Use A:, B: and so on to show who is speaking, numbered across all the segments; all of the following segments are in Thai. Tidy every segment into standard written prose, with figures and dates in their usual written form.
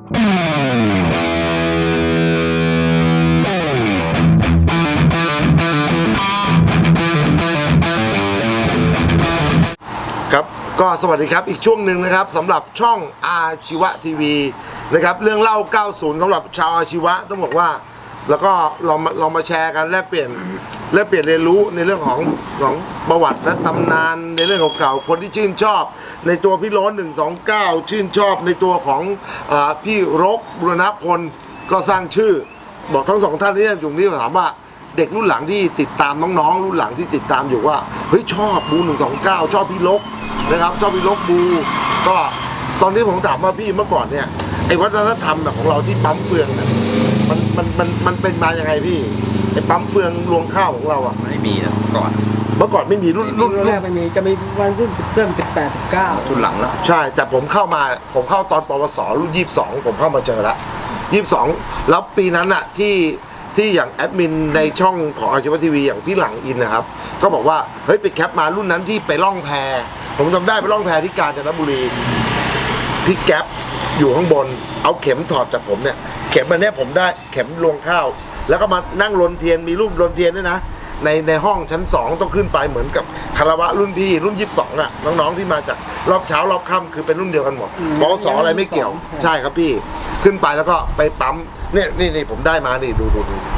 A: ครับก็สวัสดีครับอีกช่วงหนึ่งนะครับสำหรับช่องอาชีวะทีวีนะครับเรื่องเล่า 90 สำหรับชาวอาชีวะต้องบอกว่าแล้วก็เรามาแชร์กันแลกเปลี่ยนเรียนรู้ในเรื่องของประวัติและตำนานในเรื่องเก่าๆคนที่ชื่นชอบในตัวพี่โล้น129ชื่นชอบในตัวของพี่รกบุรณพลก็สร้างชื่อบอกทั้งสองท่านที่อยู่นี่ถามว่าเด็กรุ่นหลังที่ติดตามน้องๆรุ่นหลังที่ติดตามอยู่ว่าเฮ้ยชอบบู129ชอบพี่รกนะครับชอบพี่รกบูก็ตอนนี้ผมถามว่าพี่เมื่อก่อนเนี่ยไอ้วัฒนธรรมแบบของเราที่ปั๊มเฟืองเนี่ยมันเป็นมายังไงพี่ไอ้ปั๊มเฟืองรวงข้าวของเราอ่ะ
B: ไม่มีนะก่อน
A: เมื่อก่อนไม่มีรุ่น
C: แรกไม่มีจะมีวันรุ่นเริ่ม18 19
B: รุ่นหลังแล้ว
A: ใช่แต่ผมเข้าตอนปวสรุ่น22ผมเข้ามาเจอแล้ว22แล้วปีนั้นอ่ะที่อย่างแอดมินในช่องของอาชีวะทีวีอย่างพี่หลังอินนะครับก็บอกว่าเฮ้ยไปแคปมารุ่นนั้นที่ไปล่องแพผมจำได้ไปล่องแพที่กาญจนบุรีพี่แก๊ปอยู่ข้างบนเอาเข็มถอดจากผมเนี่ยเข็มอันนี้ผมได้เข็มรวงข้าวแล้วก็มานั่งรนเทียนมีรูปรนเทียนด้วยนะในห้องชั้น2ต้องขึ้นไปเหมือนกับคารวะรุ่นพี่รุ่น22อ่ะน้องๆที่มาจากรอบเช้ารอบค่ำคือเป็นรุ่นเดียวกันหมดปวสอะไรไม่เกี่ยวใช่ครับพี่ขึ้นไปแล้วก็ไปปั๊มนี่ผมได้มานี่ดู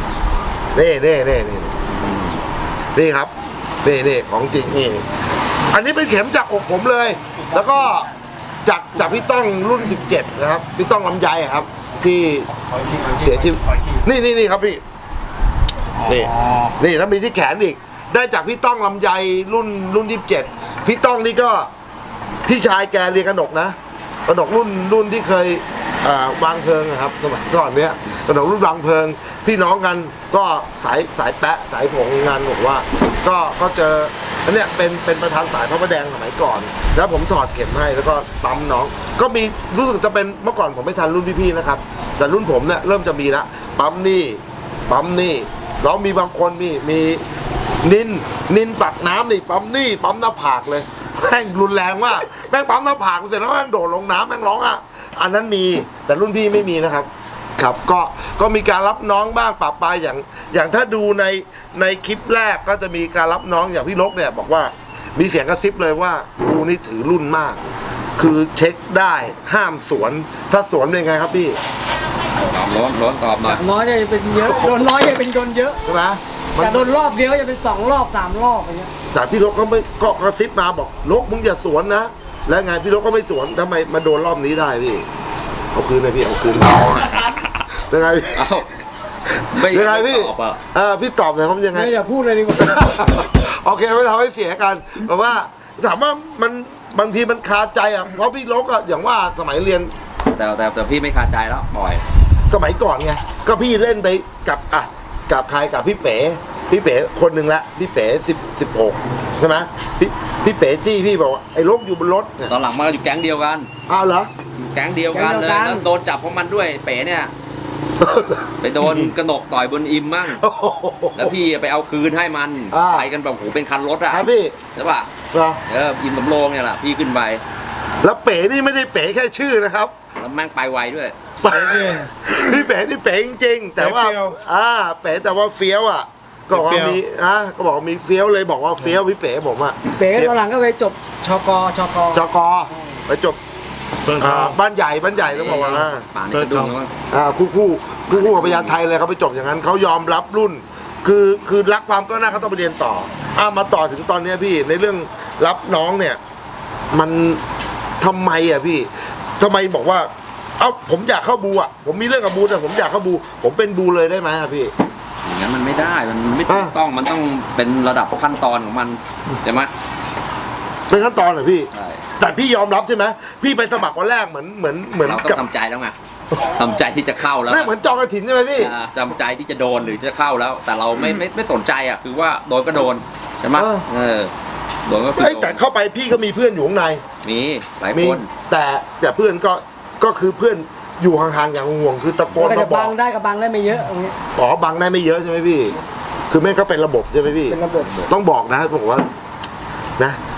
A: นี่ครับนี่ของจริงนี่อันนี้เป็นเข็มจากอกผมเลยแล้วก็จากพี่ต้องรุ่น17นะครับพี่ต้องลำไยครับที่เสียชีวิตนี่ครับพี่นี่แล้วมีที่แขนอีกได้จากพี่ต้องลำไยรุ่น27พี่ต้องนี่ก็พี่ชายแกเรียนกนกนะกนกรุ่นที่เคยวางเพลิงครับสมัยก่อนเนี้ยกนกรุ่นวางเพลิงพี่น้องกันก็สายแปะสายผงงานบอกว่าก็เจออันเนี้ยเป็นประธานสายพระประแดงสมัยก่อนแล้วผมถอดเข็มให้แล้วก็ปั๊มน้องก็มีรู้สึกจะเป็นเมื่อก่อนผมไม่ทันรุ่นพี่ๆนะครับแต่รุ่นผมเนี่ยเริ่มจะมีละปั๊มนี่เรามีบางคนมีนินปักน้ำนี่ปั๊มหน้าผากเลยแม่งรุนแรงมากแม่งปั๊มหน้าผากเสร็จแล้วแม่งโดดลงน้ำแม่งร้องอ่ะอันนั้นมีแต่รุ่นพี่ไม่มีนะครับครับก็มีการรับน้องบ้างปะปายอย่างถ้าดูในคลิปแรกก็จะมีการรับน้องอย่างพี่ลกเนี่ยบอกว่ามีเสียงกระซิบเลยว่ากูนี่ถือรุ่นมากคือเช็คได้ห้ามสวนถ้าสวนเป็นไงครับพี่
B: ร้อนตอบหน่อย
C: น้อยจะเป็นเยอะโดนน้อยจะเป็นโดนเยอะ
A: ใช่ไหม
C: แต่โดนรอบเดียวจะเป็น2 รอบ 3 รอบอะไรเงี้ย
A: แต่พี่ลกก็กระซิบมาบอกลกมึงอย่าสวนนะแล้วไงพี่ลกก็ไม่สวนทำไมมาโดนรอบนี้ได้พี่เอาคืนเลยพี่เอาคืนยังไงพี่ยังไงพี่พี่ตอบหน่อยครับยังไง
C: อย่าพูดเลยดีกว่า
A: โอเคไม่ทำให้เสียกันเพราะว่าถามว่ามันบางทีมันคาใจอ่ะเพราะพี่ลกอ่ะอย่างว่าสมัยเรียน
B: แต่พี่ไม่คาใจแล้วบ่อย
A: สมัยก่อนไงก็พี่เล่นไปกับใครกับพี่เป๋คนหนึ่งละพี่เป๋16ใช่ไหมพี่เป๋จี้พี่บอกว่าไอ้ลกอยู่บนรถ
B: ตอนหลังมาอยู่แก๊งเดียวกัน
A: อ้าวเหรอ
B: แก๊งเดียวกันเลยแล้วโดนจับเพราะมันด้วยเป๋เนี่ยไปโดนกระหนกต่อยบนอิมมั่งแล้วพี่ไปเอาคืนให้มันไปกันแบบโหเป็นคันรถอ่ะ
A: พี่
B: ใช่ป่ะอิมสำโรงเนี่ยแหละพี่ขึ้นไป
A: แล้วเป๋นี่ไม่ได้เป๋แค่ชื่อนะครับ
B: แล้วแม่งไปไวด้วย
A: พี่เป๋นี่เป๋จริงๆแต่ว่าเป๋แต่ว่าเฟี้ยวอ่ะก็บอกมีก็บอกมีเฟี้ยวเลยบอกว่าเฟี้ยวพี่เป๋ผมอ่ะ
C: เป๋ตอนหลังก็ไปจบชก
A: ไปจบบ้านใหญ่ต้องบอกว่า
B: ป่านนี้ก็ดู
A: แล้วคู่กับพญาไทเลยเขาไปจบอย่างนั้นเขายอมรับรุ่นคือรักความก็น่าเขาต้องไปเรียนต่อมาต่อถึงตอนนี้พี่ในเรื่องรับน้องเนี่ยมันทำไมอ่ะพี่ทำไมบอกว่าผมอยากเข้าบูอ่ะผมมีเรื่องกับบูแต่ผมอยากเข้าบูผมเป็นบูเลยได้ไหมอ่ะพี่
B: อย่างนั้นมันไม่ได้มันไม่ถูกต้องมันต้องเป็นระดับขั้นตอนของมันใช่ไหม
A: เป็นขั้นตอนเหรอพี่แต่พี่ยอมรับใช่ไหมพี่ไปสมัครวันแรกเหมือน
B: เราต้องทำใจแล้วไงทำใจที่จะเข้าแล้ว
A: ไม่เหมือนจองกระถินใช่ไหมพี่
B: ทำใจที่จะโดนหรือจะเข้าแล้วแต่เราไม่สนใจอ่ะคือว่าโดนก็โดนใช่ไหมโดนก็คือ
A: แต่เข้าไปพี่ก็มีเพื่อนอยู่ข้างใน
B: มีหลายคน
A: แต่เพื่อนก็คือเพื่อนอยู่ห่างๆอย่างห่วงคือตะโกนมาบอก
C: บังได้กับบังได้ไม่เยอะ
A: บังได้ไม่เยอะใช่ไหมพี่คือแม่ก็เป็นระบบใช่ไหมพี่
C: เป็นระบบ
A: ต้องบอกนะบอกว่านะ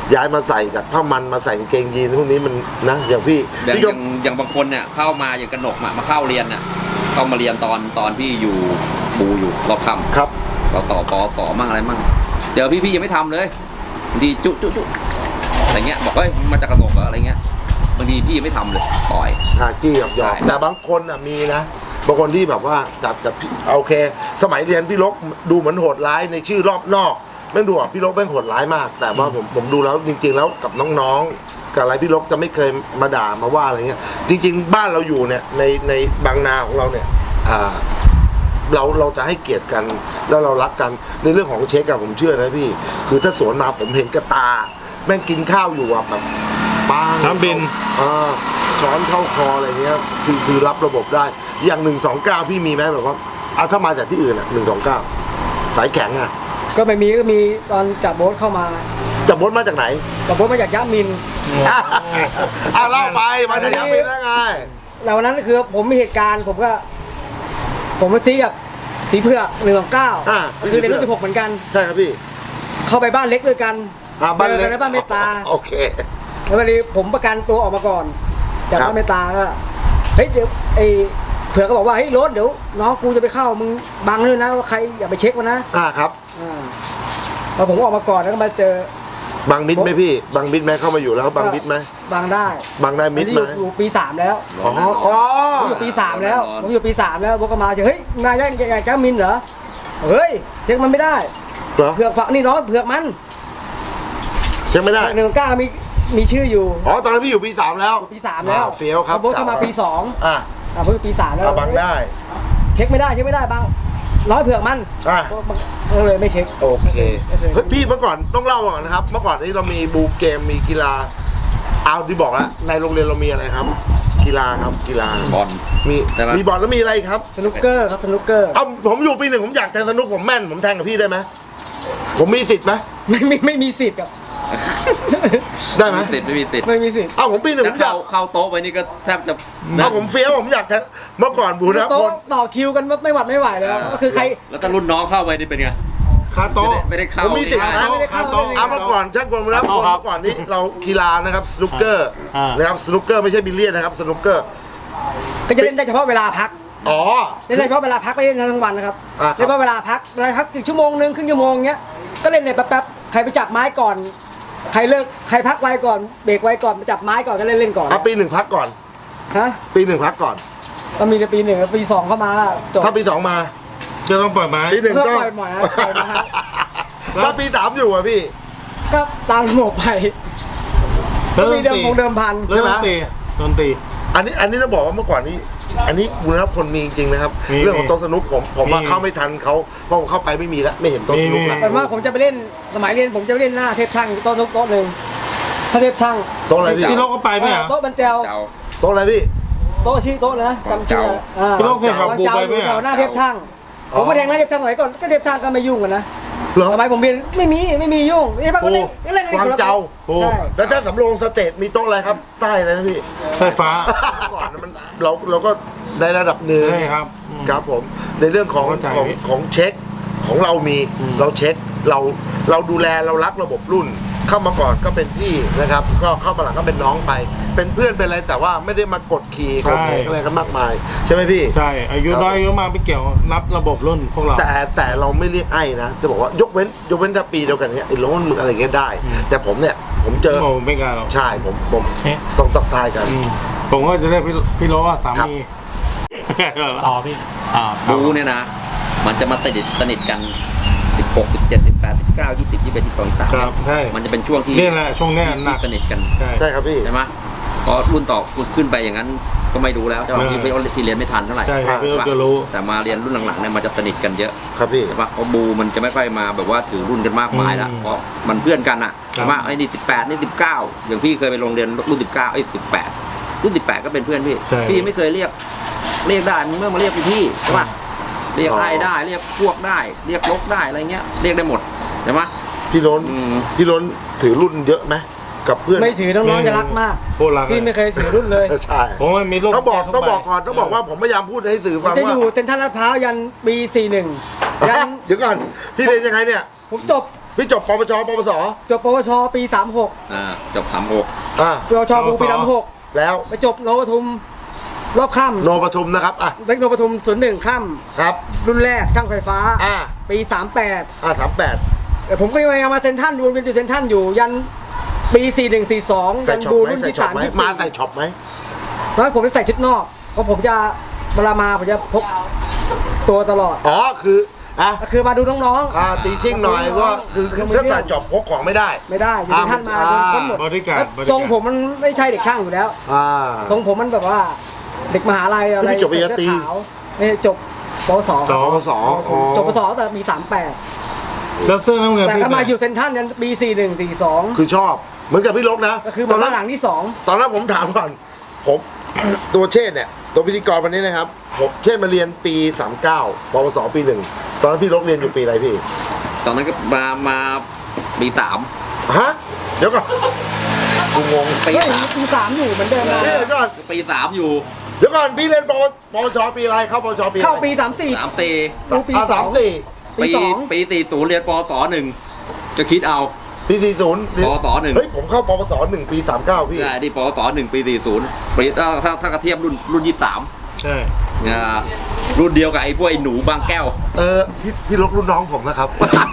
A: ย้ายมาใส่จากผ้ามันมาใส่กางเกงยีนพวกนี้มันนะอย่างพี่
B: อย่าง
A: พี่
B: อ
A: ก็
B: ย่างบางคนเนี่ยเข้ามาอย่างกระหนกมาเข้าเรียนน่ะเข้ามาเรียนตอนพี่อยู่บูอยู่รอบค่ำ
A: ครับ
B: เราต่อปอสอมั่งอะไรมั่งเจอพี่ยังไม่ทำเลยบางทีจุอะไรเงี้ยบอกเฮ้ยมาจากกระหนกเหรออะไรเงี้ยบางทีพี่ยังไม่ทำเลยปล่อย
A: จี้หยอก
B: ใช่
A: แต่บางคนอ่ะมีนะบางคนที่แบบว่าจับพี่โอเค สมัยเรียนพี่ลกดูเหมือนโหดร้ายในชื่อรอบนอกแม่งดูอ่ะพี่ลกแม่งโหดร้ายมาก แต่ว่าผมดูแล้วจริง ๆ แล้วกับน้องๆกับอะไรพี่ลกจะไม่เคยมาด่ามาว่าอะไรเงี้ยจริง ๆ บ้านเราอยู่เนี่ยในบางนาของเราเนี่ยเราจะให้เกียรติกันแล้วเรารักกันในเรื่องของเช็คอะผมเชื่อนะพี่คือถ้าสวนมาผมเห็นกระตาแม่งกินข้าวอยู่อะแบบปัง
D: น้ำบิน
A: ช้อนเข้าคออะไรเงี้ยคือรับระบบได้อย่าง129พี่มีไหมแบบว่าถ้ามาจากที่อื่นอะ129สายแข็งอะ
C: ก็ไม่มีก็มีตอนจับโบ๊ทเข้ามา
A: จับบดมาจากไหน
C: จับโบ๊ทมาจากยะมิน
A: เล่าไปมาจากยามินได้ไง
C: แล้ววันนั้นคือผมมีเหตุการณ์ผมมาซีกับสีเผือก129คือในรุ่น16เหมือนกัน
A: ใช่ครับพี่
C: เข้าไปบ้านเล็กด้วยกัน
A: บ้านเล็ก
C: จอกัในบ้านเมตตา
A: โอเค
C: แล้ววันนี้ผมประกันตัวออกมาก่อนจาก
A: ครับ
C: บ้านเมตตาก็เฮ้ยเดี๋ยวไอ้เผือกก็บอกว่าเฮ้ยรถเดี๋ยวน้องกูจะไปเข้ามึงบังด้วยนะว่าใครอย่าไปเช็คมันนะครับ พอผมออกมาก่อนแล้วก็มาเจอ
A: บังมิดไหมพี่บังมิดไหมเข้ามาอยู่แล้วบังมิดไหม
C: บังได้
A: บังได้มิด
C: อันนี้
A: ไหม
C: อยู่ปี3แล้ว
A: อ๋ออ๋อ
C: ผมอยู่ปี3แล้วผมอยู่ปี3แล้วบอกก็มาเจอเฮ้ยมาย่างแก้มินเหรอเฮ้ยเช็คมันไม่ได้
A: เหรอ
C: เผือกฝักนี่น้องเผือกมัน
A: เช็คไม่ได้
C: 129มีชื่ออยู่
A: อ๋อตอนนั้นพี่อยู่ปี3แล้ว
C: ปี3แล้ว
A: เฟี้ยวครับ
C: โบ๊ทเข้ามาปี2
A: อ่ะ
C: ผมอยู่ปี3แล้ว
A: บังได้
C: เช็คไม่ได้บังร้อยเผือกมัน
A: อ่ะ
C: ก็เลยไม่เช็ค
A: โอเคเฮ้ยพี่เมื่อก่อนต้องเล่าก่อนนะครับ เมื่อก่อนนี้เรามีบูเกมมีกีฬาเอาที่บอกแล้วในโรงเรียนเรามีอะไรครับ กีฬาครับกีฬา
B: บอล
A: มี
B: ใช่ไหม
A: มีบอลแล้วมีอะไรครับ
C: สนุกเกอร์ครับสนุกเกอร์
A: เอาผมอยู่ปี 1ผมอยากแทงสนุกผมแม่นผมแทงกับพี่ได้ไหมผมมีสิทธิ์ไหม
C: ไม่มีสิทธิ์ครับ
A: ได้ไหม
B: ไม่มีสิทธิ์
C: ไม่มีสิทธิ์
A: เอาผมปี 1ผ
B: ถ้าม
A: อยาก
B: เข้าโต๊ะไปนี่ก็แทบจะ
A: เอาผมเฟี้ยวผมอยากแทงเมื่อก่อนบูนะ
C: โต๊ะ
A: คน
C: ต่อคิวกันไม่หวัดไม่ไหวแล้วก็คือใคร
B: แล้วถ้ารุ่นน้องเข้าไปนี่เป็นไง
D: คาโต๊ะ
B: ไม่ได้เข้า
A: ผมมีสิทธิ์นะ
C: ไม่ได้เข้า
A: เอาเมื่อก่อนช่างกลมรับคน
D: ครับ
A: เมื่อก่อนนี้เรากีฬานะครับสนุกเกอร์
D: อ่าน
A: นะครับสนุกเกอร์ไม่ใช่บิลเลียนนะครับสนุกเกอร์
C: ก็จะเล่นได้เฉพาะเวลาพัก
A: อ๋อ
C: เล่นได้เฉพาะเวลาพักไม่ได้ทั้งวันนะครับ
A: อ่าครับ
C: เล่นเฉพาะเวลาพักอีกชั่วโมงนึงครึ่งชั่วโมงเงี้ยก็เล่นในแป๊บๆใครไปจับไม้ก่อนใครเลิกใครพักไว้ก่อนเบรกไว้ก่อนไปจับไม้ก่อนก็เล่นก่อน
A: ปี 1พักก่อน
C: ฮะ
A: ปี 1พักก่อน
C: ก็มีในปี1กับปี2เข้ามาจบ
A: ถ้าปี 2มา
D: จะต้องปล่อยไม้
A: ปี 1
C: ก็
A: ก็
C: ปล่อยหมอยปล่อยนะฮะ
A: ถ้าปี 3อยู่อะพี่
C: ก็ตามระบบไปก็มีเดิมพัน
A: ใช่ไหม
D: ดนตรี
A: อันนี้ต้องบอกว่าเมื่อก่อนนี้ อันนี้บุญรับคนมีจริงๆนะครับ
D: มี
A: เรื่องของโต๊ะสนุกผมมา
D: มี
A: เข้าไม่ทันเขาเพราะผมเข้าไปไม่มีแล้วไม่เห็นโต๊ะสนุกแล้ว
C: แต่ว่าผมจะไปเล่นสมัยเรียนผมจะไปเล่นหน้าเทพช่างโต๊ะนุกโต๊ะหนึ่งถ้าเทพช่าง
A: โต๊ะอะไรพี่
D: พี่โลกก็ไปไหมอ่ะ
C: โต๊ะบรรเจล
B: เจ้า
A: โต๊ะอะไรพี่
C: โต๊ะชื่อโต๊ะเลยนะจำชื่อ
D: พี่โลกเคยขับ
C: วัน
D: บู
C: เจ้า
D: ไป
C: อ
D: ไหม
C: ยู่แถ
D: อ่ะ
C: วหน้าเทพช่างผมมาแทงหน้าเทพช่างหน่อยก่อนก็เทพช่างก็ไม่ยุ่งกันนะ
A: เหรอ
C: สมัยผมเรียนไม่มียุ่งเทพช่างก็เล่นเล่น
A: วางเจ้า
C: ใช่
A: แล้วถ้าสำโรงสเตทมีโต๊ะอะไรครับ ใต้อะไรนะพี่
D: ไฟฟ้า
A: ก่อนมันเราก็ในระดับหนึ่ง
D: ใช่ครับ
A: ครับผมในเรื่องของ
D: เข้าใจ
A: ของเช็คของเรามี เราเช็คเราดูแลเรารักระบบรุ่น เข้ามาก่อนก็เป็นพี่นะครับ ก็เข้ามาหลังก็เป็นน้องไป เป็นเพื่อนเป็นอะไรแต่ว่าไม่ได้มากดขี่กดเหงอะไรกันมากมายใช่ไหมพี่
D: ใช่อายุน้อยอายุมากไม่เกี่ยวนับระบบรุ่นพวกเรา
A: แต่เราไม่เรียกไอ้นะจะบอกว่ายกเว้นถ้าปีเดียวกันเนี้ยไอ้โล้นมึงอะไรเงี้ยได้ แต่ผมเนี่ยผมเจอ
D: โอ้ไม่กล้าหรอก
A: ใช่ผม
D: เอ๊ะ
A: ต้องตักทายกัน
D: ผมก็จะเรียกพี่โลว่าสา
A: ครับ
D: มีอ๋อพี่
B: บูเนี่ยนะ มันจะมาสนิทกัน16 17 18 19 20 21 22
D: ครับใช่
B: 23มันจะเป็นช่วงที่
D: นี่แหละช่วงเนี้ยหนั
B: ที่
D: ก
B: สนิทกัน
D: ใช่
A: ใช่ครับพี่
B: ใช่ไหมพอรุ่นต่อขึ้นไปอย่างนั้นก็ไม่รู้แล้วแต่ว่าที่เรียนไม่ทันเท่าไหร่
D: ใช่ครับพี่
B: ใช่ปะ
D: จะรู้
B: แต่มาเรียนรุ่นหลังๆเนี่ยมันจะสนิทกันเยอะ
A: ครับพี่
B: ใช่ปะเพราะบูมันจะไม่ค่อยมาแบบว่าถือรุ่นกันมากมายแล้วเพราะมันเพื่อนกันอ่ะ
D: ครับ
B: ใช่ปะไอ้นี่18นี่19อย่างพี่เคยไปโรงเรียนรุ่น19ไอ้18รุ่น18ก็เป็นเพื่อนพี่
D: ใช่
B: พี่ไม่เคยเรียกได้มึงเมื่อมาเรียกพี่ใช่ปะเรียกไอ้ได้เรียกพวกได้เรียกลกได้อะไรเงี้ยเรียกได้หมดใช่ปะ
A: พี่ล้น
B: อืม
A: พี่ล้นถือรุ่นเยอะไหมกับเพื่อน
C: ไม่ถือน้องๆจะรักมาก
D: โคตรรัก
C: พี่ไม่เคยถือรุ่นเลย
A: ใช่
D: ผมว่ามีลูก
A: ต้องบอกก่อนต้องบอกว่าผมพยายามพูดให้สื่อ
C: ผม
A: ฟัง
C: จะ
A: ว่า
C: อยู่เซ็นทรัลลาดพร้าวยันปี41ยัน
A: เดี๋ยวก่อนพี่เรียนยังไงเนี่ย
C: ผมจบ
A: พี่จบปวชปวส
C: จบปวชปี 36
B: จบ36
C: ปวชบูปี 36
A: แล้ว
C: ไปจบโนปทุมรอบค่ำ
A: โนปทุมนะครับ
C: เด็กโนปทุม01ค่ำ
A: ครับ
C: รุ่นแรกช่างไฟฟ้าปี 38
A: 38
C: แต่ผมก็ยังมาเซ็นทรัลอยู่เป็นเซ็นทรัลอยู่ยันปี41 42ยันบูรุ่นที่3 24
A: มาใส่ช็อปไหม
C: แล้วผมจะใส่ชุดนอกเพราะผมจะเวลามาผมจะพกตัวตลอดคือมาดูน้อง
A: ๆตีชิ่งหน่อยว่าคือถ้าใส่ช็อปพกของไม่ได้
C: อยู่ในท่านมาทั้งหมดทรงผมมันไม่ใช่เด็กช่างอยู่แล้วทรงผมมันแบบว่าเด็กมหาลัยอะไร
A: จบปริญญาตรี
C: นี่จบปวสจบปวสแต่มี38
D: แล้วเสื้อน้ำเงิน
C: แต่ก็มาอยู่เซ็นทรัลยันปี41 42
A: คือชอบเหมือนกับพี่ลกนะ
C: ก็คือมาหลังที่2
A: ตอนนั้นผมถามก่อนผมตัวเชษเนี่ยตัวพิธีกรวันนี้นะครับผมเชษมาเรียนปี39ปวสปี1ตอนนั้นพี่ลกเรียนอยู่ปีอะไรพี่
B: ตอนนั้นก็มาปี3
A: ฮะเดี๋ยวก่อนกูงง
C: ปี3อยู่เหมือนเดิมนะ
A: เดี๋ยวก่อน
B: ปี3อยู่
A: เดี๋ยวก่อนพี่เรียนปวชปีอะไรเข้าปวชปี
C: เข้าปี
B: 34
C: ปี
B: 34ปี40เรียนปวส1จะคิดเอา
A: ปี40
B: ปวส1
A: เฮ้ยผมเข้าปวส1ปี39พี่
B: ใช่ที่ปวส1ปี40ปีถ้ากระเทียบรุ่น23
D: ใช่
B: รุ่นเดียวกับไอ้พวกไอ้หนูบางแก้ว
A: พี่ลกรุ่นน้องผมนะครับ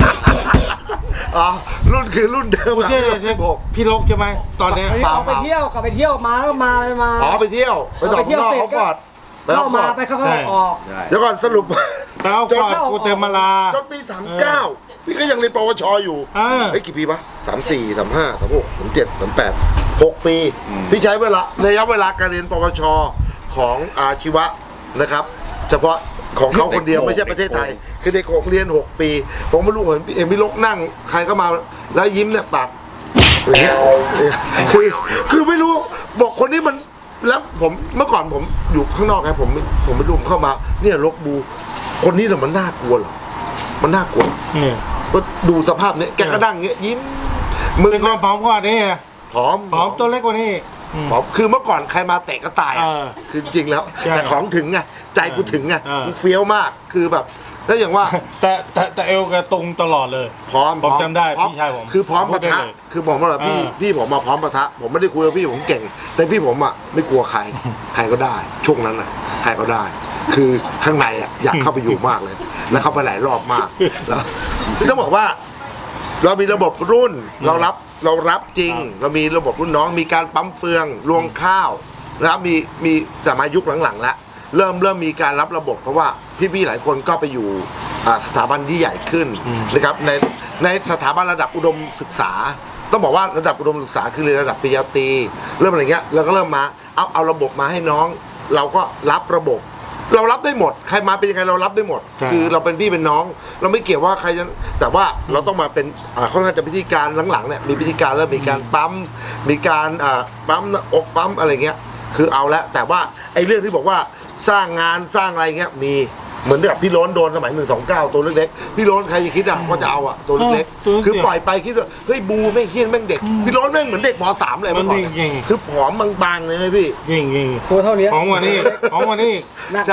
A: รุ่นคือรุ่นเดิมอะ
D: พี่ลกใช่ไหมตอนนี้
C: ไปเที่ยวกลับไปเที่ยวมาแล้วมา
A: ไปเที่ยวไปต่อข้างนอกเขาฟอด
C: เข้ามาไปเข้าออก
A: เดี๋ยวก่อนสรุป
D: จนกูเต็มมาลา
A: จนปี39พี่ก็ยังเรียนปวชอยู่กี่ปีปะ34 35 36 37 38 6 ปีพี่ใช้ระยะเวลาการเรียนปวชของอาชีวะนะครับเฉพาะของเขาคนเดียวไม่ใช่ประเทศไทยคือเด็กของเรียน6 ปีผมไม่รู้เห็นพี่ลกนั่งใครก็มาแล้วยิ้มเนี่ยปากอย่างเงี้ยคือไม่รู้บอกคนนี้มันแล้วผมเมื่อก่อนผมอยู่ข้างนอกไงผมไม่รู้เข้ามาเนี่ยลกบูคนนี้แต่มันน่ากลัวเหรอมันน่ากลัวก็ดูสภาพเนี้ยแกก็นั่งเงี้ยยิ้ม
D: มึงก็ผอมกว่านี้
A: ผอม
D: ตัวเล็กกว่านี้
A: ผอมคือเมื่อก่อนใครมาเตะก็ตายคือจริงแล้วแต่ของถึงไงใจกูถึงไงกูเฟี้ยวมากคือแบบแล้วอย่างว่า
D: แต่เอวแกตรงตลอดเลย
A: พร้อม
D: ผมจำได้พี่ชายผม
A: คือพร้อมปะทะคือผมว่าพี่ผมมาพร้อมปะทะผมไม่ได้คุยกับพี่ผมเก่งแต่พี่ผมอ่ะไม่กลัวใครก็ได้ช่วงนั้นอ่ะใครก็ได้คือข้างในอ่ะอยากเข้าไปอยู่มากเลยแล้วเข้าไปหลายรอบมากแล้วต้องบอกว่าเรามีระบบรุ่นเรารับจริงเรามีระบบรุ่นน้องมีการปั๊มเฟืองรวงข้าวนะครับมีแต่มายุคหลังๆแล้วเริ่มมีการรับระบบเพราะว่าพี่ๆหลายคนก็ไปอยู่สถาบันที่ใหญ่ขึ้นนะครับในสถาบันระดับอุดมศึกษาต้องบอกว่าระดับอุดมศึกษาคือเรียนระดับปริญญาตรีเริ่มอะไรเงี้ยเราก็เริ่มมาเอาระบบมาให้น้องเราก็รับระบบเรารับได้หมดใครมาเป็นยังไงเรารับได้หมดคือเราเป็นพี่เป็นน้องเราไม่เกี่ยวว่าใครจะแต่ว่าเราต้องมาเป็นค่อนข้างจะพิธีการหลังๆเนี่ยมีพิธีการแล้วมีการปั๊มมีการปั๊มอกปั๊มอะไรเงี้ยคือเอาละแต่ว่าไอ้เรื่องที่บอกว่าสร้างงานสร้างอะไรเงี้ยมีเหมือนแบบพี่โล้นโดนสมัย129ตัวเล็กๆพี่โล้นใครจะคิดว่าจะเอาตัวเล็กๆคือปล่อยไปคิดว่าเฮ้ยบูไม่เฮี้ยนแม่งเด็กพี่โล้นแม่งเหมือนเด็กม.3 เลยเมื่อก่อนคือผอมบางๆเลยไหมพี่
D: ยิง
C: ตัวเท่านี้
D: ผอมกว่านี้
C: หนัก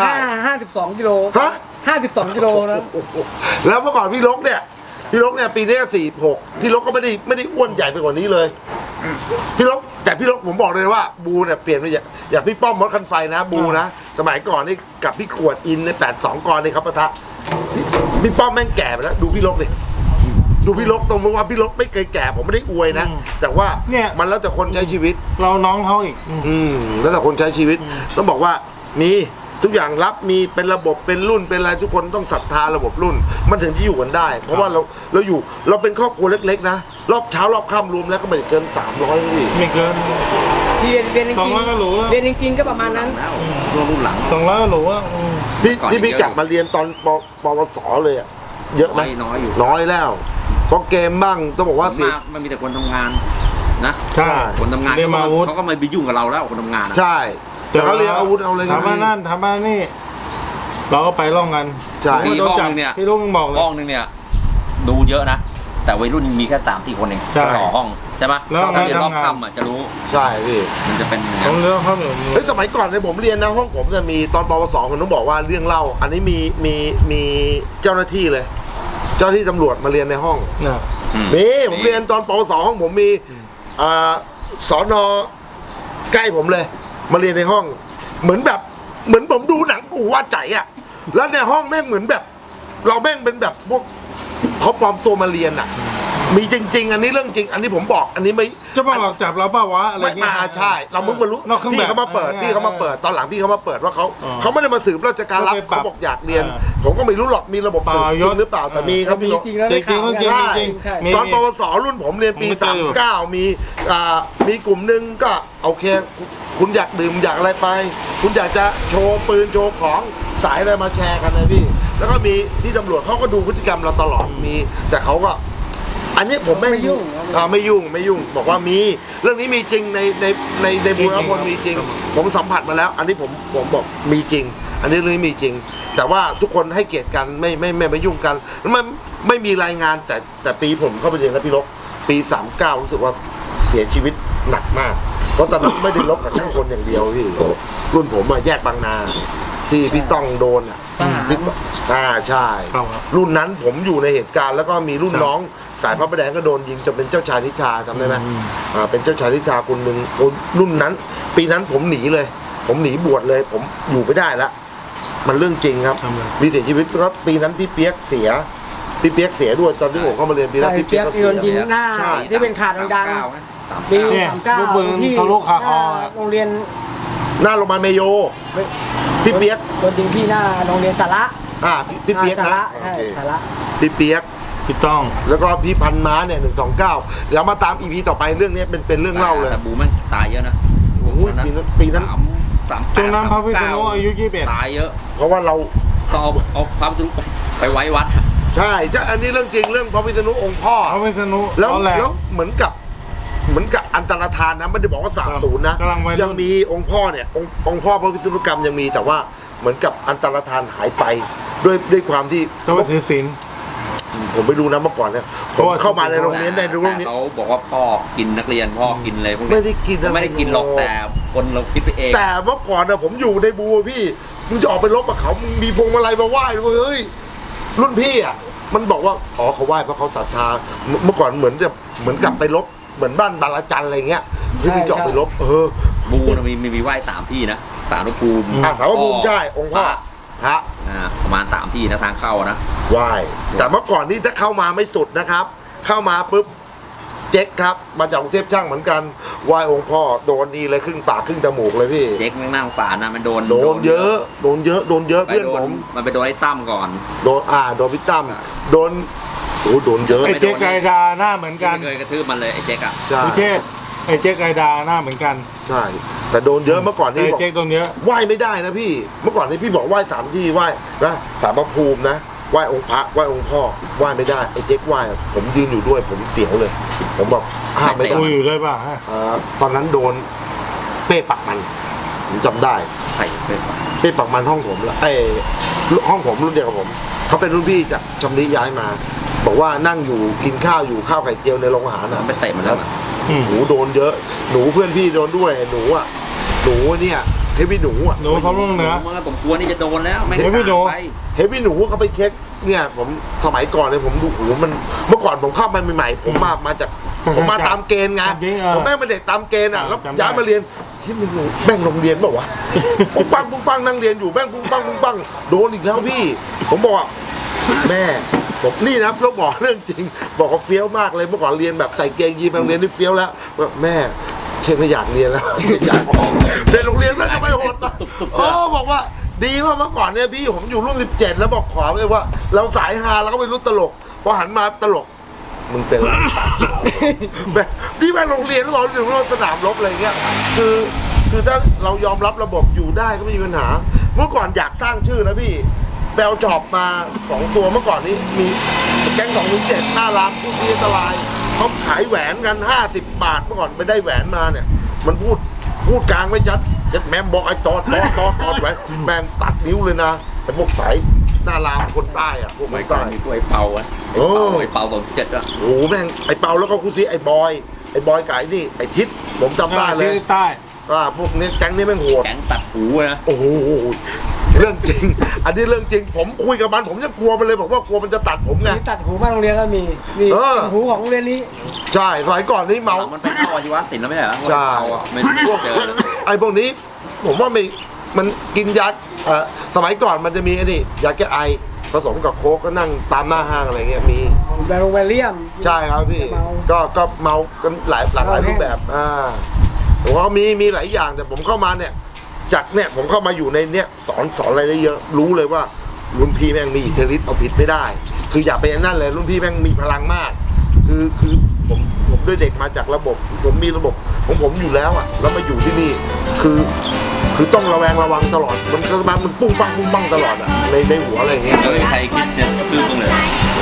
C: 52 กิโล52 กิโลนะ
A: แล้วเมื่อก่อนพี่ลกเนี่ยปีนี้46พี่ลกก็ไม่ได้อ้วนใหญ่ไปกว่านี้เลยพี่ลกผมบอกเลยว่าบูเนี่ยเปลี่ยนไปอย่างพี่ป้อมมดคันไฟนะบูนะสมัยก่อนนี่กับพี่ขวดอินใน82 กรนี่ครับปะทะพี่ป้อมแม่งแก่ไปแล้วดูพี่ลกดิดูพี่ลกตรงว่าพี่ลกไม่เคยแก่ผมไม่ได้อวยนะแต่ว่ามันแล้วแต่คนใช้ชีวิต
D: เราน้องเขาอีก
A: แล้วแต่คนใช้ชีวิตต้องบอกว่ามีทุกอย่างรับมีเป็นระบบเป็นรุ่นเป็นอะไรทุกคนต้องศรัทธาระบบรุ่นมันถึงที่อยู่กันได้เพราะว่าเราเป็นครอบครัวเล็กๆนะรอบเช้ารอบค่ำรวมแล้วก็ไม่เกิน300พี่
D: ไม่เกิน
C: ที่เรียนจริงๆเรียนจริงๆก็ประมาณนั้น
B: รุ่นหลัง
D: 200ก็รู้ว่า
A: ที่พี่กลับมาเรียนตอนปวสเลยอะเยอะไหมน้อยแล้วเพราะเกมบ้างต้องบอกว่าสิ
B: มันมีแต่คนทำงานนะ
D: ใช่
B: คนทำงานเขาก็ไม่ไปยุ่งกับเราแล้วคนทำงาน
A: ใช่แต่เขาเรียนอาวุธเอาอะไรกัน
D: ทำมานั่นทำมานี่เราก็ไปล่องกัน
B: ใช่พี่ห้องนึงเนี่ย
D: พี่ลุงบอกเลย
B: ห้องนึงเนี่ยดูเยอะนะแต่วัยรุ่นมีแค่3-4 คนเองต่อห้องใช่ไหมแล้วเรียนรอบค่ำจะรู้
A: ใช่พี่
B: มันจะเป็น
D: ต้องเรื่องเขา
A: เฮ้ยสมัยก่อนในผมเรียนนะห้องผมจะมีตอนปวสผมต้องบอกว่าเรื่องเล่าอันนี้มีเจ้าหน้าที่เลยเจ้าหน้าที่ตำรวจมาเรียนในห้องมีผมเรียนตอนปวสห้องผมมีสนใกล้ผมเลย มาเรียนในห้อง เหมือนผมดูหนังกูว่าใจอ่ะแล้วในห้องแม่งเหมือนแบบ เราแม่งเป็นแบบพวกเขาปลอมตัวมาเรียนอ่ะ มีจริง ๆ อันนี้เรื่องจริง อันนี้ผมบอก อันนี้ไม่
D: จะมาหลอกจับเราเปล่าวะอะไร
A: ไม่
D: เงี้ย
A: มาใช่ เราเพิ่งมารู้
D: นอกเครื่องแบบ
A: พี่เขามาเปิดพี่เขามาเปิดตอนหลังพี่เขามาเปิดว่าเขาไม่ได้มาสืบราชการรับ
D: เขาไปปรับ
A: เขาบอกอยากเรียน ผมก็ไม่รู้หรอกมีระบบสืบจริงหรือเปล่าแต่มีครับ
C: มี
A: พี่
C: จริงแล้ว
D: จริงๆ
C: ได้ข่าว
D: จริงๆ
C: ใช่
D: จริง
C: ใช่
D: มี
A: ตอนปวสรุ่นผมเรียนปี
D: ผมก็เจออยู่
A: 39มีกลุ่มหนึ่งก็โอเค คุณอยากดื่มอยากอะไรไป คุณอยากจะโชว์ปืนโชว์ของสายอะไรมาแชร์กันนะพี่ แล้วก็มีพี่ตำรวจเขาก็ดูพฤติกรรมเราตลอดมี แต่เขาก็ อันนี้ผมไม่ยุ่งไม่ยุ่งบอกว่ามีเรื่องนี้มีจริงในบูรพลมีจริง ผมสัมผัสมาแล้ว อันนี้ผมบอกมีจริง อันนี้เรื่องนี้มีจริง แต่ว่าทุกคนให้เกียรติกันไม่ยุ่งกันมันไม่มีรายงานแต่ปีผมเข้าไปเรียนกับพี่ลบปี39รู้สึกว่าเสียชีวิตหนักมากเพราะตอนนั้นไม่ได้ลบกับช่างคนอย่างเดียวพี่รุ่นผมแยกบางนาที่พี่ต้องโดนพี่ใช่ รุ่นนั้นผมอยู่ในเหตุการณ์แล้วก็มีรุ่นน้องสายพระประแดงก็โดนยิงจนเป็นเจ้าชายนิทราจำได้ไหมเป็นเจ้าชายนิทราคนหนึ่งรุ่นนั้น ปีนั้นผมหนีเลย ผมหนีบวชเลย ผมอยู่ไม่ได้แล้วมันเรื่องจริงครับมีเสียชีวิตเพราะปีนั้นพี่เปียกเสียด้วยตอนที่ผมเข้ามาเรียนปีนั้นพี่เปียกก็เสีย
C: โดนยิงหน้าที่เป็นข่าวดังๆปี
D: เนี่ย
C: 39
D: ปืน
C: ที่
D: ทะลุคาคอ
C: โรงเรียน
A: หน้าโรงพยาบาลเมโยพี่เปียก
C: โดนยิงที่หน้าโรงเรียนสาระ
A: พี่เปียก
C: สา
A: นะ
C: ระใช่สาระ
A: พี่เปียก
D: พี่ต้อง
A: แล้วก็พี่พันม้าเนี่ย129เดี๋ยวมาตามอีพีต่อไปเรื่องนี้เป็นเรื่องเล่าเลย
B: แต่บูมันตายเยอะนะ
A: โอ้ยปีนั้น
B: สาม
D: จนนั้นพระพิษณุอายุ21
B: ตายเยอะ
A: เพราะว่าเรา
B: ต้องเอาพระพิษณุไปไว้วัด
A: ใช่อันนี้เรื่องจริงเรื่องพระพิษณุองค์พ่อ
D: พระพิษณุ
A: แล้ว
D: ร้อนแรง
A: เหมือนกับอันตรธานนะไม่ได้บอกว่า30นะ
D: กำลังวัยรุ่น
A: ยังมีองค์พ่อเนี่ยองค์พ่อพระพิษณุกรรมยังมีแต่ว่าเหมือนกับอันตรธานหายไปด้วยความที่
D: ก็ว่าถือศีล
A: ผมไปดูนะเมื่อก่อนเนี่ยผมเข้ามาในโรงเรียนในโรงเรียน
B: เขาบอกว่าพ่อกินนักเรียนพ่อกินอะไรพวกนี้
A: ไม่ได้กินอะไร
B: ไม่ได้กินหรอกแต่คนเราคิดไปเอง
A: แต่เมื่อก่อนนะผมอยู่ในบูพี่มึงจะออกไปรบกับเขามึงมีพวงมาลัยมาไหว้เลยเฮ้ยรุ่นพี่อ่ะมันบอกว่าอ๋อเขาไหว้เพราะเขาศรัทธาเมื่อก่อนเหมือนกับไปรบเหมือนบ้านบาลจันทร์อะไรเงี้ยที่มึงจะออกไปรบ
B: บูนะมีไหว้3 ที่นะสารพระภูมิ
A: สารพระภูมิใช่องค์พ่อพระ
B: ประมาณ3 ที่นะทางเข้านะ
A: ไหว้แต่เมื่อก่อนนี่ถ้าเข้ามาไม่สุดนะครับ เข้ามาปุ๊บเจ๊กครับมาจากกรุงเทพช่างเหมือนกันไหว้องค์พ่อโดนดีเลยครึ่งปากครึ่งจมูกเลยพี่
B: เจ๊กแม่งนั่งฝานะมันโดน
A: เยอะเพื่อนผม
B: มันไปโดนไอ้ตั้มก่อน
A: โดนพี่ตั้มโดนเยอะ
D: ไอ้เจ๊กไกดาหน้าเหมือนกัน
B: ไม่เคยกระทืบมันเลยไอ้เจ๊กอ่ะ
A: ใช่
D: พี่เทศไอ้เจ๊กไกดาหน้าเหมือนกัน
A: ใช่แต่โดนเยอะเมื่อก่อนนี่
D: ไอ้
A: บอก
D: เจ๊กตรงเนี้ย
A: ไหว้ไม่ได้นะพี่เมื่อก่อนนี่พี่บอกไหว้3 ที่ไหว้นะศาลพระภูมินะไหว้องค์พระไหว้องค์พ่อไหว้ไม่ได้ไอ้เจ๊กไหว้ผมยืนอยู่ด้วยผมเสียวเลย ผมบอกห้ามไม่ได้
D: กูอยู่ด้วยป่ะฮะ
A: ตอนนั้นโดนเป้ปักมันผมจำได้
B: ไข่เป็น
A: เป้ปักมันห้องผมแล้วห้องผมรุ่นเดียวกับผมเขาเป็นรุ่นพี่จากชำนิย้ายมา บอกว่านั่งอยู่กินข้าวอยู่ข้าวไข่เจียวในโรงอาหาร
B: มันไปเตะมันแล้ว
A: หนูโดนเยอะหนูเพื่อนพี่โดนด้วยหนูเนี่ยเฮฟวี่หนู
D: หนูเขาลงเหนือ
B: มันก็สมควรที่จะโดนแล้วไม่
D: เฮ้ยพี่หนู
B: ไป
A: เฮฟวี่หนูเขาไปเช็คเนี่ยผมสมัยก่อนเลยผมดูโอ้โหมันเมื่อก่อนผมเข้ามาใหม่ๆผมมาจากผมมาตามเกณฑ์ไงผมแม่งเป็นเด็กตามเกณฑ์อ่ะแล้วย้ายมาเรียนที่มันแม่งโรงเรียนเปล่าวะปุ้งปังนั่งเรียนอยู่แม่งปุ้งปังโดนอีกแล้วพี่ผมบอกแม่ผมนี่นะต้องบอกเรื่องจริงบอกว่าเฟี้ยวมากเลยเมื่อก่อนเรียนแบบใส่เกงยีนไปโรงเรียนนี่เฟี้ยวแล้วแม่เช่นไม่อยากเรียนแล้วอยากออกในโรงเรียนก็จะไม่โหดนะบอกว่าดีว่าเมื่อก่อนเนี่ยพี่ผมอยู่รุ่น17แล้วบอกขอเลยว่า เราสายฮาเราก็ไม่รู้ตลกพอหันมาตลกมึงเป็นอะไรแบบที่แม่โรงเรียนแล้วเราถึงสนามรบอะไรเงี้ยคือถ้าเรายอมรับระบบอยู่ได้ก็ไม่มีปัญหาเมื่อก่อนอยากสร้างชื่อนะพี่แบลจอบมา2 ตัวเมื่อก่อนนี้มีแก๊ง207หน้ารามผู้ที่อันตรายเขาขายแหวนกัน50 บาทเมื่อก่อนไปได้แหวนมาเนี่ยมันพูดกลางไม่ชัดแม่บอกไอ้ตอดแหวนแม่งตัดนิ้วเลยนะไอ้พวกสายหน้ารามคนใต้อะพวก
B: ไม่
A: คน
B: ก่อน
A: ใต้
B: มีไอ้เปาอะไอ้เปาตอน7อ่ะ
A: โอ้โหแม่งไอ้เปาแล้วก็กูซีไอ้บอยไก่นี่ไอ้ทิศผมจำได้เลย
D: ที่ใต้
A: พวกนี้แก๊งนี้แม่งโหด
B: แก๊งตัดหูนะ
A: โอ้โหเรื่องจริง อันนี้เรื่องจริง ผมคุยกับมันผมยังกลัวมันเลยบอกว่ากลัวมันจะตัดผมไง
C: มีตัดหูบ้านโรงเรียนก็มีนี่
A: เออ
C: หูของโรงเรียนนี้
A: ใช่สมัยก่อนนี่เมา
B: มันไปเข้าอาชีวะศิลป์แล้วไม่ใช่เหรอ
A: ใช่
B: ไม่รู้เจอเลย
A: ไอ้พวกนี้ผมว่าไม่มันกินยาสมัยก่อนมันจะมีไอ้นี่ยาแก้ไอผสมกับโค้กก็นั่งตามหน้าห้างอะไรเงี้ยมี
C: แบรนด์แวลเลียม
A: ใช่ครับพี่
C: เมา
A: ก็เมากันหลายรูปแบบผมว่ามีหลายอย่างแต่ผมเข้ามาเนี่ยจากเนี่ยผมเข้ามาอยู่ในเนี่ยสอนอะไรได้เยอะรู้เลยว่ารุ่นพี่แม่งมีอิทธิฤทธิ์เอาผิดไม่ได้ คืออย่าไปนั่นเลยรุ่นพี่แม่งมีพลังมาก คือผมด้วยเด็กมาจากระบบผมมีระบบของผมอยู่แล้วอ่ะแล้วมาอยู่ที่นี่คือต้องระวังตลอดมันปุ้งปังตลอดอ่ะในหัวอะไรอย่างเงี้ย
B: ไม่มีใครคิดจะซื้อตรงเลย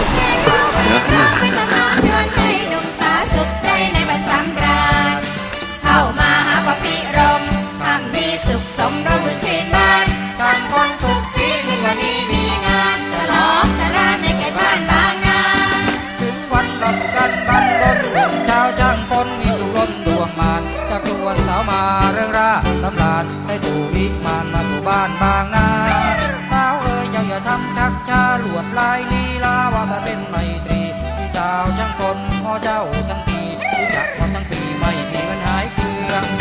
E: เข้ามาหาพระพิรมทำมีสุขสมรสชื่นบานช่างคนสุขสีในวันนี้มีงานฉลองสรานในเขตบ้านบางนา
F: ถึงวันรับกันบันรนหุ่นเช้าช่างคนมีตุล้นดวงมานจากตัวนสาวมาเรื่องราตำลาดให้สู่วิมานมาสู่บ้านบางนาสาวเอ๋ยอย่าทำชักช้าลวดลายลีลาว่าแต่เป็นไมตรีเจ้าช่างคนพ่อเจ้าทั้งปีรู้จักมาทั้งปีไม่มีวันหายเคือง